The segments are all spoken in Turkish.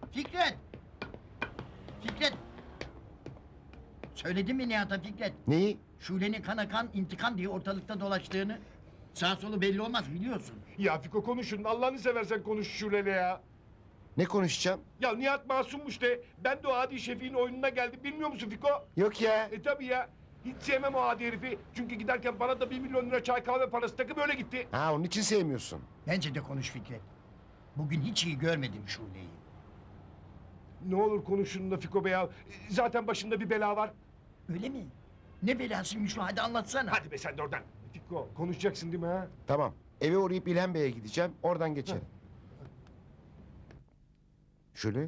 Fikret! Fikret! Söyledin mi Nihat'a Fikret? Neyi? Şule'nin kana kan intikam diye ortalıkta dolaştığını. Sağ solu belli olmaz biliyorsun. Ya Fiko konuşun. Allah'ını seversen konuş Şule'yle ya. Ne konuşacağım? Ya Nihat masummuş de. Ben de o Adi Şefik'in oyununa geldim. Bilmiyor musun Fiko? Yok ya. Tabii ya. Hiç sevmem o Adi herifi. Çünkü giderken bana da 1 milyon lira çay kahve parası takıp öyle gitti. Ha, onun için sevmiyorsun. Bence de konuş Fikret. Bugün hiç iyi görmedim Şule'yi. Ne olur konuşun da Fiko Bey ya. Zaten başında bir bela var. Öyle mi? Ne belasıymış o, hadi anlatsana. Hadi be sen de oradan. Fiko konuşacaksın değil mi ha? Tamam. Eve uğrayıp İlhan Bey'e gideceğim. Oradan geçelim. Şule?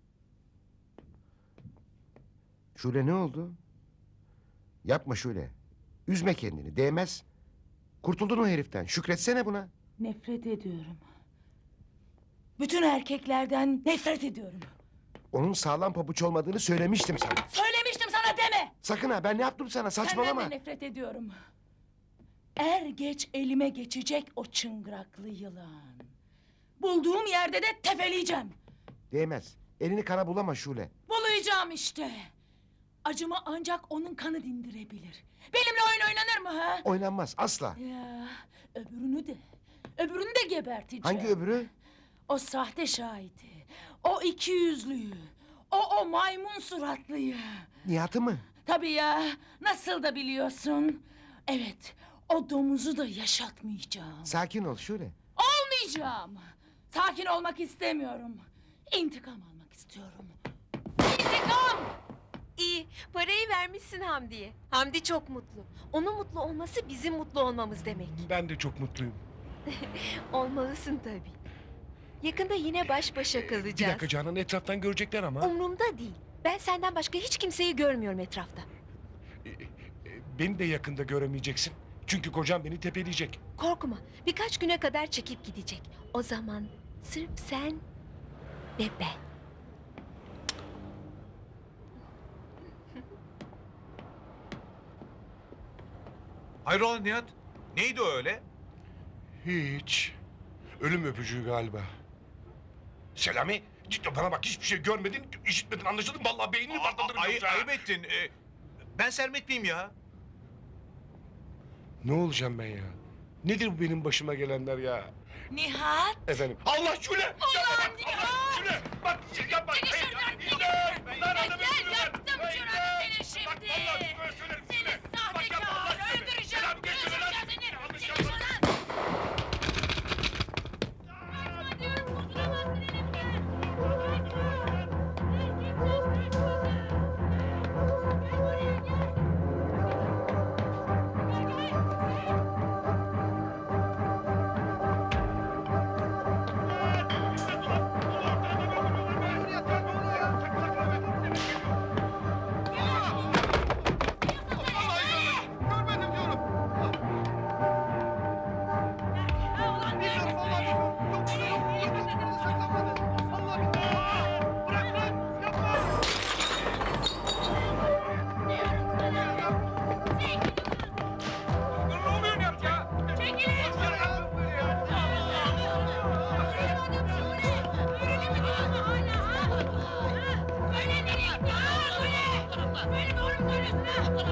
Şule ne oldu? Yapma Şule. Üzme kendini. Değmez. Kurtuldun o heriften. Şükretsene buna. Nefret ediyorum. Bütün erkeklerden nefret ediyorum. Onun sağlam pabuç olmadığını söylemiştim sana. Söylemiştim sana deme! Sakın ha, ben ne yaptım sana? Saçmalama. Senden de nefret ediyorum. Er geç elime geçecek o çıngıraklı yılan. Bulduğum yerde de tepeleyeceğim. Değmez. Elini kana bulama Şule. Bulayacağım işte. Acımı ancak onun kanı dindirebilir. Benimle oyun oynanır mı ha? Oynanmaz asla. Ya öbürünü de geberteceğim. Hangi öbürü? O sahte şahidi. O ikiyüzlüyü. O maymun suratlıyı. Nihat'ı mı? Tabii ya. Nasıl da biliyorsun. Evet. O domuzu da yaşatmayacağım. Sakin ol Şule. Olmayacağım. Sakin olmak istemiyorum. İntikam almak istiyorum. İntikam! İyi, parayı vermişsin Hamdi'ye. Hamdi çok mutlu. Onun mutlu olması bizim mutlu olmamız demek. Ben de çok mutluyum. Olmalısın tabii. Yakında yine baş başa Bir kalacağız. dakika Canan, etraftan görecekler ama. Umrumda değil. Ben senden başka hiç kimseyi görmüyorum etrafta. Beni de yakında göremeyeceksin. Çünkü kocam beni tepeleyecek. Korkma, birkaç güne kadar çekip gidecek. O zaman sırf sen ve ben. Hayrola Nihat? Neydi o öyle? Hiç. Ölüm öpücüğü galiba. Selami, cidden bana bak, hiçbir şey görmedin, işitmedin, anlaşıldın. Vallahi beynini patlatırım yoksa. Ayıp ettin. Ben Sermet miyim ya? Ne olacağım ben ya? Nedir bu benim başıma gelenler ya? Nihat! Efendim. Allah Şule! Yapma bak! Nihat! Allah Şule! Bak yapma! Seni Hayır, şuradan hayır, hayır, lan adamı Gel, öldürürüm. yaktım Hayır, şuranı hayır. seni şimdi. Bak vallahi böyle söylerim Seni Şule. Bak yapma Allah sahtekâr! aşkına. Öldüreceğim! Selam geçme lan. Öldüreceğim seni! Yanlış Seni yapma. şuradan! Söyle nereye? Söyle! Söyle doğru mu söylüyorsun ha?